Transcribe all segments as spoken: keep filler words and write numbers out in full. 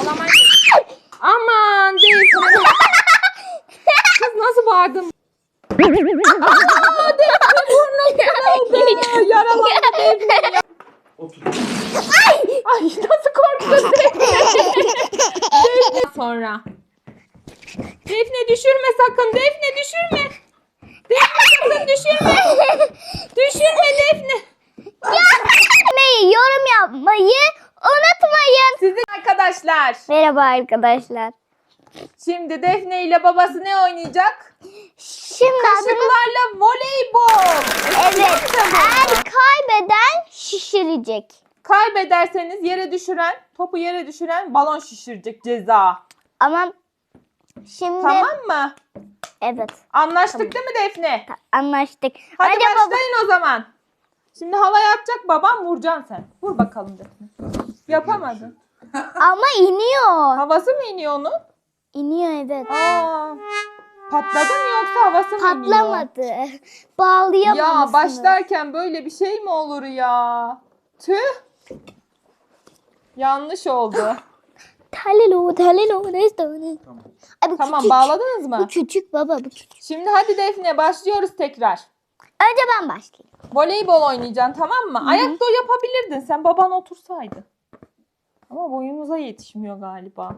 Ağlamayın. Aman Defne. Kız nasıl bağırdın? Aaa Defne burnum kırıldı. Yaralandı Defne ya. Otur. Ay! Ay nasıl korktun Defne? Defne sonra. Defne düşürme sakın. Defne düşürme. Defne sakın düşürme. Düşürme Defne. Beğenmeyi, yorum yapmayı unutmayın. Sizin arkadaşlar. Merhaba arkadaşlar. Şimdi Defne ile babası ne oynayacak? Şimdi adını... Kaşıklarla voleybol. Evet. Eğer kaybeden şişirecek. Kaybederseniz yere düşüren, topu yere düşüren balon şişirecek ceza. Ama şimdi... Tamam mı? Evet. Anlaştık değil mi Defne? Anlaştık. Hadi Önce baba- başlayın o zaman. Şimdi havaya atacak babam, vuracaksın sen. Vur bakalım Defne. Yapamadın. Ama iniyor. Havası mı iniyor onun? İniyor evet. Aa, patladı mı yoksa havası mı iniyor? Patlamadı. Bağlayamamışsınız. Ya başlarken böyle bir şey mi olur ya? Tüh. Yanlış oldu. Talelo, talelo, neyse. Tamam. Ay, bu Tamam küçük. bağladınız mı? Bu küçük baba, bu küçük. Şimdi hadi Defne başlıyoruz tekrar. Önce ben başlayayım. Voleybol oynayacaksın tamam mı? Ayakta yapabilirdin. Sen baban otursaydı. Ama boyunuza yetişmiyor galiba.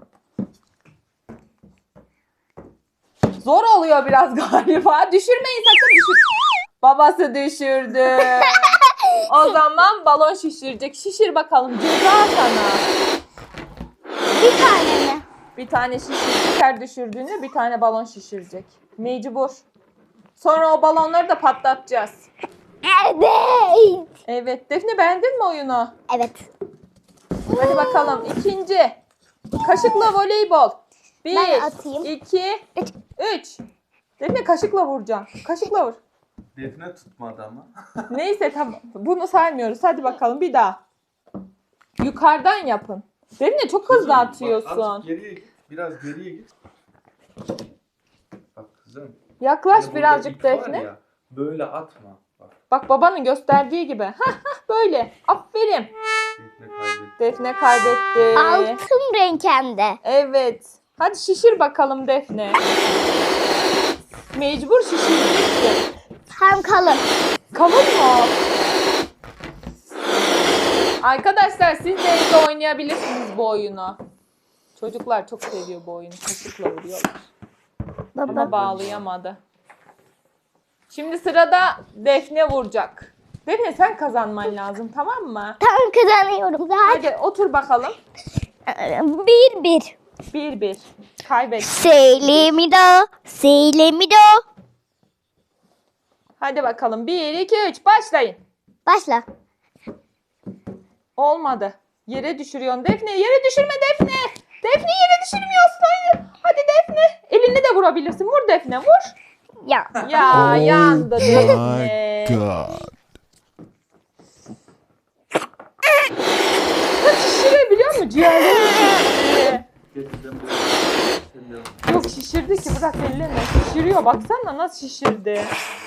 Zor oluyor biraz galiba. Düşürmeyin sakın düşür. Babası düşürdü. O zaman balon şişirecek. Şişir bakalım. Ceza sana. Bir tane mi? Bir tane şişirecek. Her düşürdüğünde bir tane balon şişirecek. Mecbur. Sonra o balonları da patlatacağız. Evet. Evet. Defne beğendin mi oyunu? Evet. Hadi bakalım. İkinci. Kaşıkla voleybol. Bir, Ben atayım. iki, Üç. üç. Defne kaşıkla vuracaksın. Kaşıkla vur. Defne tutmadı ama. Neyse tamam. Bunu saymıyoruz. Hadi bakalım bir daha. Yukarıdan yapın. Defne çok hızlı Bak, atıyorsun. azıcık geriye git. Biraz geriye git. Bak kızım. Yaklaş hani burada birazcık ip var Defne. ya, böyle atma. Bak Bak babanın gösterdiği gibi. Hah hah böyle. Aferin. Defne kaybetti. Defne kaybetti. Altın renk hem de. Evet. Hadi şişir bakalım Defne. Mecbur şişireceksin. Hem kalın. Kalın mı? Arkadaşlar siz de evde oynayabilirsiniz bu oyunu. Çocuklar çok seviyor bu oyunu. Kaşıkla vuruyorlar. Baba. Ama bağlayamadı. Şimdi sırada Defne vuracak. Defne sen kazanman lazım tamam mı? Tam kazanıyorum zaten. Hadi otur bakalım. Bir bir. Bir bir. Kaybet. Seylemido. Seylemido. Hadi bakalım. Bir, iki, üç. Başlayın. Başla. Olmadı. Yere düşürüyorsun. Defne yere düşürme Defne. Defne yere düşürmüyorsun. Hayır. Hadi Defne. Elini de vurabilirsin. Vur Defne vur. Ya. Ya yandı My Defne. God. Kız şişirebiliyor musun? Ciğerlerini şişirdi. Getirdim buraya. Sen de- Yok şişirdi ki bırak elini. Şişiriyor baksana nasıl şişirdi.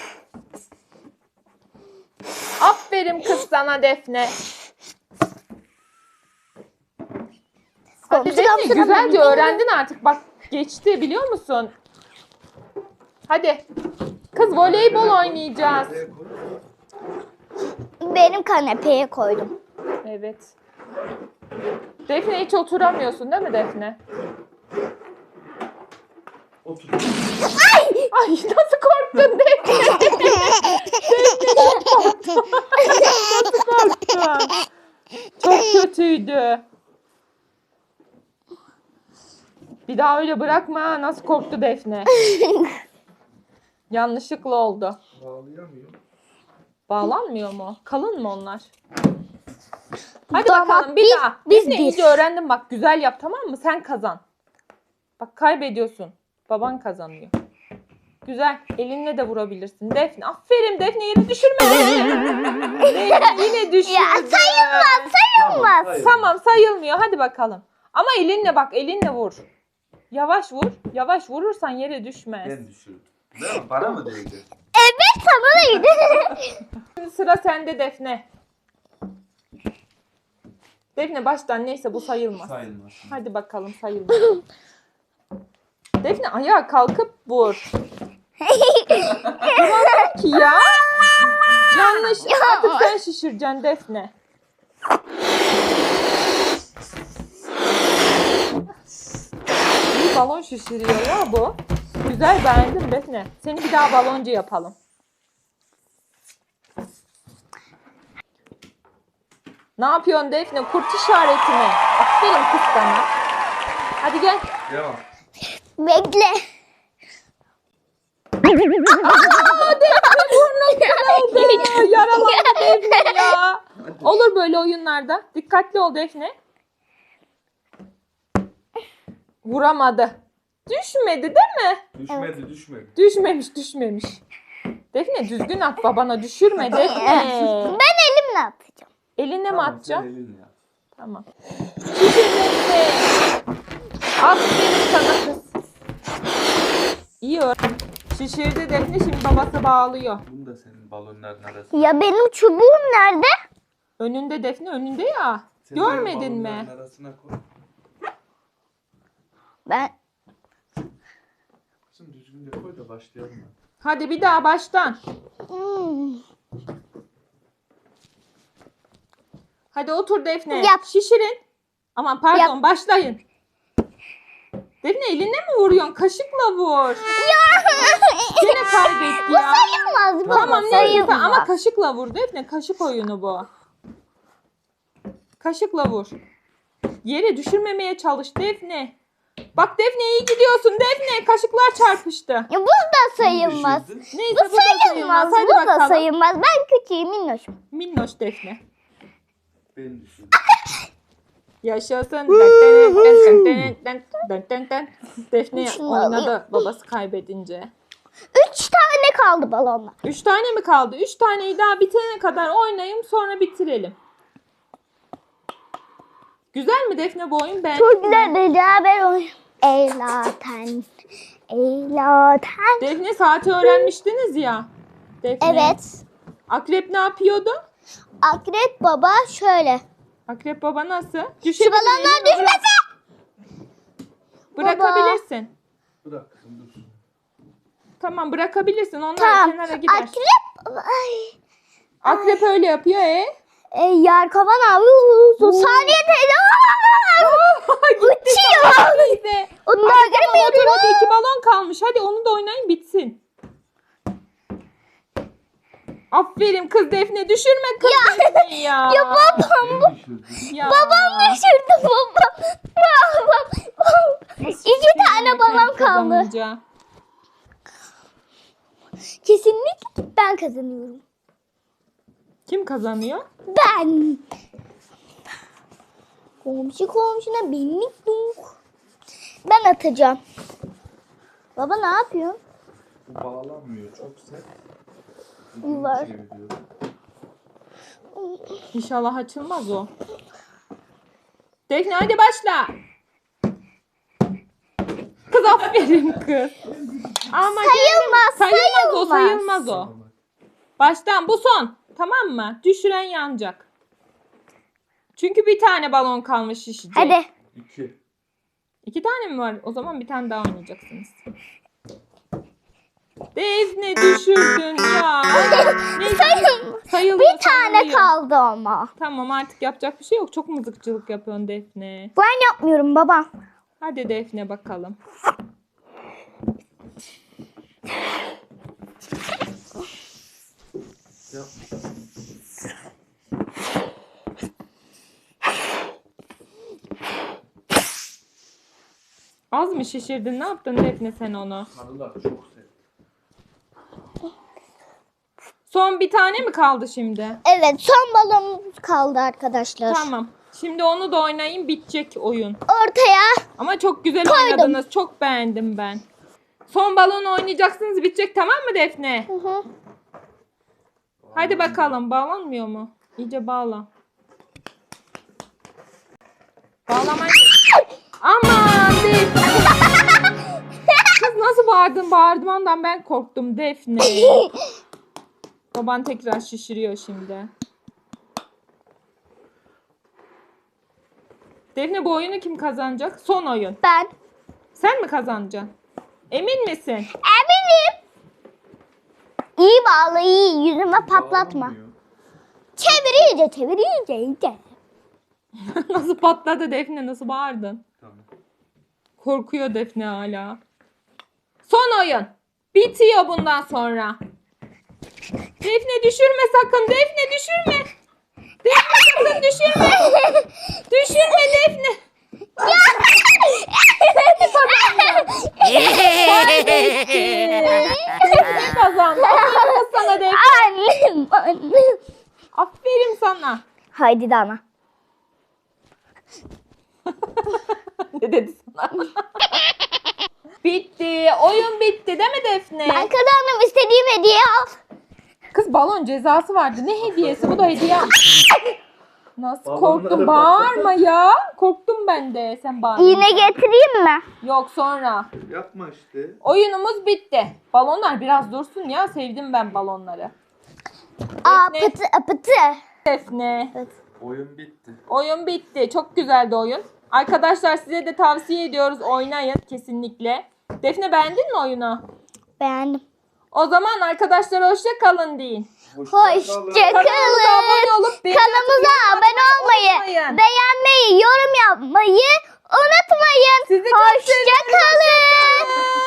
Aferin kız sana Defne. Hadi Komşu Defne komşu güzelce komşu. öğrendin artık. Bak geçti biliyor musun? Hadi. Kız voleybol oynayacağız. Buraya koy. Benim kanepeye koydum. Evet. Defne hiç oturamıyorsun değil mi Defne? Otur. Ay nasıl korktun Defne? Defne çok korktum. Nasıl korktun? Çok kötüydü. Bir daha öyle bırakma ha. Nasıl korktu Defne? Yanlışlıkla oldu. Bağlayamıyorum. Bağlanmıyor mu? Kalın mı onlar? Hadi Tamam, bakalım bir biz- daha. biz Defne bir. iyice öğrendim bak. Güzel yap tamam mı? Sen kazan. Bak kaybediyorsun. Baban kazanıyor. Güzel. Elinle de vurabilirsin. Defne. Aferin Defne yere düşürme. Defne yine düşürdü. Ya sayılmaz sayılmaz. hayır. Tamam sayılmıyor. Hadi bakalım. Ama elinle bak elinle vur. Yavaş vur. Yavaş vurursan yere düşmez. Ben düşürdüm. Değil mi? Bana mı değdi? Evet sana neydi? Şimdi sıra sende Defne. Defne baştan neyse bu sayılmaz. Sayılmaz. Hadi bakalım sayılmaz. Defne ayağa kalkıp vur. Duramam ki ya. Yanlış. Artık sen şişireceksin Defne. İyi balon şişiriyor ya bu. Güzel, beğendim Defne. Seni bir daha baloncu yapalım. Ne yapıyorsun Defne? Kurt işareti mi? Aferin kız sana. Hadi gel. Devam. Bekle. Aa, Defne burnum kırıldı. Yaralandı Defne ya. Olur böyle oyunlarda. Dikkatli ol Defne. Vuramadı. Düşmedi değil mi? Düşmedi düşmedi. Düşmemiş düşmemiş. Defne düzgün at, babana düşürme Defne. Ben elimle atacağım. Eline mi Tamam, sen atacaksın? elinle yap. Tamam. Şişir Defne. Aferin sana kız. İyi öğren. Şişirdi Defne, şimdi babası bağlıyor. Bunu da senin balonların arasına. Ya benim çubuğum nerede? Önünde Defne, önünde ya. Senin Görmedin mi? balonların arasına koy. Ben Kızım düzgün de koy da başlayalım. Hadi bir daha baştan. Hmm. Hadi otur Defne. Yap. Şişirin. Aman pardon, Yap. başlayın. Defne eline mi vuruyorsun? Kaşıkla vur. Yine kaybetti Bu ya. sayılmaz. Bu Tamam neyse sayılmaz. ama kaşıkla vur Defne. Kaşık oyunu bu. Kaşıkla vur. Yere düşürmemeye çalış Defne. Bak Defne iyi gidiyorsun Defne. Kaşıklar çarpıştı. Ya bu da sayılmaz. Düşürdün. Neyse Bu bu da sayılmaz. sayılmaz. Hadi Bu da bakalım. sayılmaz. Ben küçüğüm minnoşum. Minnoş Defne. Ben düşürdüm. Yaşasın. Dın dın dın dın dın dın dın dın. Defne Şunu oynadı alayım. babası kaybedince. Üç tane kaldı balonla. Üç tane mi kaldı? Üç taneyi daha bitene kadar oynayayım, sonra bitirelim. Güzel mi Defne bu oyun? Ben. Çok güzel beraber oyun. Eylaten. Eylaten. Defne saati öğrenmiştiniz ya. Defne. Evet. Akrep ne yapıyordu? Akrep baba şöyle. Akrep baba nasıl? Şu Düşebilir, balonlar elini bırak- düşmesin. Bırakabilirsin. Bırak kızım dursun. Tamam bırakabilirsin. Onlar Tamam. kenara gider. Akrep. Ay. Akrep öyle yapıyor e. E, Yarkavan abi. Saniye teyze. Uçuyor. Neyse. Onlar Hadi tamam, göremiyorum. otur hadi, iki balon kalmış. Hadi onu da oynayın bitsin. Aferin kız Defne, düşürme kız Defne'yi ya. Ya babam. Ben düşürdüm. Ya. Babam düşürdü babam. Babam. İki tane balon kaldı. Kazanınca. Kesinlikle ben kazanıyorum. Kim kazanıyor? Ben. Komşu komşuna binlik dunk. Ben atacağım. Baba ne yapıyorsun? Bu bağlanmıyor çok sert. Yuvar. Çeviriyorum. İnşallah açılmaz o. Defne hadi başla. Kız aferin kız. Ama Sayılmaz, sayılmaz o, sayılmaz. sayılmaz o. Baştan bu son. Tamam mı? Düşüren yanacak. Çünkü bir tane balon kalmış şişecek. Hadi. İki. İki tane mi var? O zaman bir tane daha oynayacaksınız. Defne düşürdün ya. Neyse, Sayılmaz. sayılıyor, Bir tane sayılıyor. kaldı ama. Tamam artık yapacak bir şey yok. Çok mızıkçılık yapıyorsun Defne. Ben yapmıyorum baba. Hadi Defne bakalım. Ya. Az mı şişirdin? Ne yaptın Defne sen onu? Sarılar çok sert. Son bir tane mi kaldı şimdi? Evet son balonumuz kaldı arkadaşlar. Tamam. Şimdi onu da oynayayım, bitecek oyun. Ortaya. Ama çok güzel Koydum. oynadınız. Çok beğendim ben. Son balonu oynayacaksınız, bitecek, tamam mı Defne? Hı hı. Hadi bakalım. Bağlanmıyor mu? İyice bağla. Bağlamayın. Aman Defne. Kız nasıl bağırdın? Bağırdığımdan ben korktum Defne. Baban tekrar şişiriyor şimdi. Defne bu oyunu kim kazanacak? Son oyun. Ben. Sen mi kazanacaksın? Emin misin? Eminim. İyi bağla iyi. Yüzüme patlatma. Bağlanmıyor. Çevir iyice çevir iyice iyice. Nasıl patladı Defne? Nasıl bağırdın? Tamam. Korkuyor Defne hala. Son oyun. Bitiyor bundan sonra. Defne düşürme sakın. Defne düşürme. Defne sakın düşürme. Düşürme Defne. Sen kazandın. Defne kazandı. Aferin kız sana Defne. Annem annem. Aferin sana. Haydi Dana. Ne dedi sana? Bitti. Oyun bitti değil mi Defne? Ben kazandım istediğim hediye al. Kız balon cezası vardı. Ne hediyesi? Bu da hediye. Nasıl Balonları korktum? patlattı. Bağırma ya. Korktum ben de. Sen bağırma. İğne getireyim mi? Yok sonra. Yapma işte. Oyunumuz bitti. Balonlar biraz dursun ya. Sevdim ben balonları. Aa Defne. pıtı pıtı. Defne. Oyun bitti. Oyun bitti. Çok güzeldi oyun. Arkadaşlar size de tavsiye ediyoruz. Oynayın kesinlikle. Defne beğendin mi oyunu? Beğendim. O zaman arkadaşlar hoşça kalın deyin. Hoşça Kanalımıza abone kalın. olup beğeni Kanalımıza atıp abone olmayı, unutmayın. beğenmeyi, yorum yapmayı unutmayın. Sizi çok Hoşça seviyoruz. kalın.